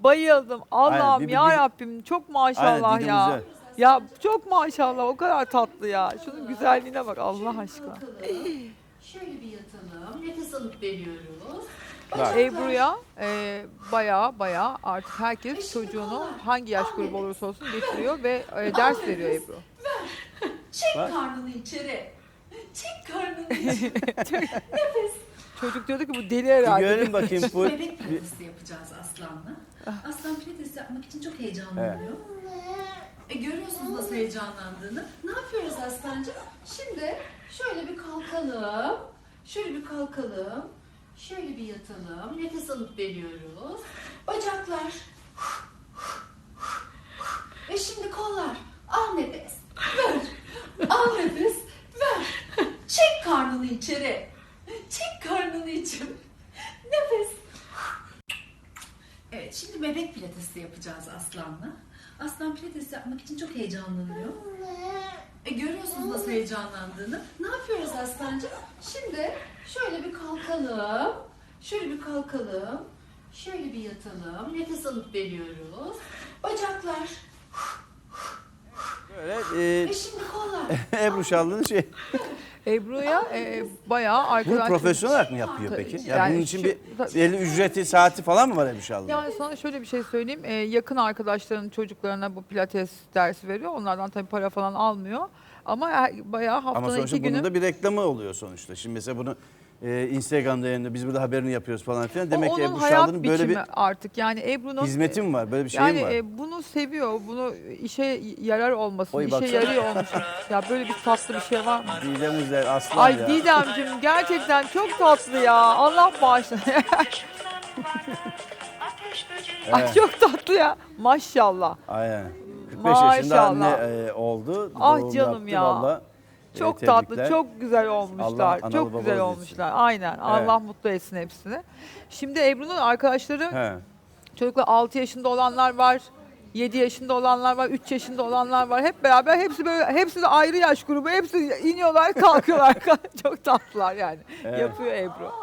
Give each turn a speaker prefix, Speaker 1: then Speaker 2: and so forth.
Speaker 1: bayıldım. Allah'ım
Speaker 2: Aynen,
Speaker 1: ya Rabbim çok maşallah
Speaker 2: Aynen, Didim
Speaker 1: ya.
Speaker 2: güzel.
Speaker 1: Ya çok maşallah o kadar tatlı ya. Şunun güzelliğine bak Allah aşkına.
Speaker 3: Şöyle bir yatalım. Nefes alıp veriyoruz.
Speaker 2: Bak.
Speaker 1: Ebru'ya baya artık herkes çocuğunu hangi yaş grubu olursa olsun getiriyor ve ders veriyor Ebru.
Speaker 3: Çek
Speaker 2: Bak.
Speaker 3: karnını içeri. Çek karnını içeri.
Speaker 1: Çocuk diyordu ki bu deli
Speaker 2: Bir
Speaker 1: herhalde.
Speaker 2: görelim bakayım full.
Speaker 3: Bebek pilatesi yapacağız Aslan'la. Aslan pilates yapmak için çok heyecanlanıyor. Görüyorsunuz nasıl heyecanlandığını. Ne yapıyoruz Aslancığım? Şimdi şöyle bir kalkalım. Şöyle bir kalkalım. Şöyle bir yatalım. Nefes alıp veriyoruz. Bacaklar. Ve şimdi kollar. Al nefes. Ver. Al nefes. Ver. Çek karnını içeri. Çek karnını içeri. Nefes. Evet, şimdi bebek pilatesi yapacağız Aslan'la. Aslan pilates yapmak için çok heyecanlanıyor. Görüyorsunuz nasıl heyecanlandığını. Ne yapıyoruz Aslancığım? Şimdi şöyle bir kalkalım. Şöyle bir kalkalım. Şöyle bir yatalım. Nefes alıp veriyoruz. Bacaklar.
Speaker 2: Böyle
Speaker 3: Ve şimdi kollar.
Speaker 2: Ebru Şallı'nın şey.
Speaker 1: Ebru'ya bayağı
Speaker 2: Bunu
Speaker 1: arkadaş.
Speaker 2: profesyonel olarak mı yapıyor
Speaker 1: Tabii.
Speaker 2: peki? Ya
Speaker 1: Yani
Speaker 2: bunun için
Speaker 1: şu-
Speaker 2: bir
Speaker 1: tabii.
Speaker 2: belli ücreti, saati falan mı var Ebru Şallı'nın?
Speaker 1: Yani sana şöyle bir şey söyleyeyim. Yakın arkadaşların çocuklarına bu pilates dersi veriyor. Onlardan tabii para falan almıyor. Ama bayağı
Speaker 2: Ama
Speaker 1: haftanın
Speaker 2: sonuçta
Speaker 1: 2
Speaker 2: bunun
Speaker 1: günü.
Speaker 2: da bir reklamı oluyor sonuçta. Şimdi mesela bunu Instagram'da yayınlıyor, biz burada haberini yapıyoruz falan filan. Demek ki
Speaker 1: Onun
Speaker 2: Ebru
Speaker 1: hayat
Speaker 2: Şallı'nın böyle bir
Speaker 1: biçimi artık. Yani Ebru'nun
Speaker 2: hizmeti mi var? Böyle bir şey
Speaker 1: yani
Speaker 2: mi var?
Speaker 1: bunu seviyor. Bunu işe yarar olmasın.
Speaker 2: Oy,
Speaker 1: işe
Speaker 2: baksana.
Speaker 1: yarıyor olmasın. Ya böyle bir tatlı bir şey var mı?
Speaker 2: Didem Üzer, Aslan
Speaker 1: Ay
Speaker 2: ya.
Speaker 1: Didemciğim gerçekten çok tatlı ya. Allah bağışlasın. Ay
Speaker 2: Evet.
Speaker 1: çok tatlı ya. Maşallah.
Speaker 2: Aynen. 45 yaşında anne
Speaker 1: Maşallah.
Speaker 2: oldu.
Speaker 1: Ah
Speaker 2: Doğum
Speaker 1: canım
Speaker 2: yaptı
Speaker 1: ya.
Speaker 2: vallahi.
Speaker 1: Çok
Speaker 2: Tebrikler.
Speaker 1: tatlı, çok güzel olmuşlar.
Speaker 2: Allah analı
Speaker 1: çok güzel
Speaker 2: babalı
Speaker 1: olmuşlar. Aynen. Allah mutlu etsin hepsini. Şimdi Ebru'nun arkadaşları
Speaker 2: He.
Speaker 1: çocuklar 6 yaşında olanlar var. 7 yaşında olanlar var, 3 yaşında olanlar var. Hep beraber hepsi böyle hepsi de ayrı yaş grubu. Hepsi iniyorlar, kalkıyorlar. Çok tatlılar yani.
Speaker 2: Evet.
Speaker 1: Yapıyor Ebru.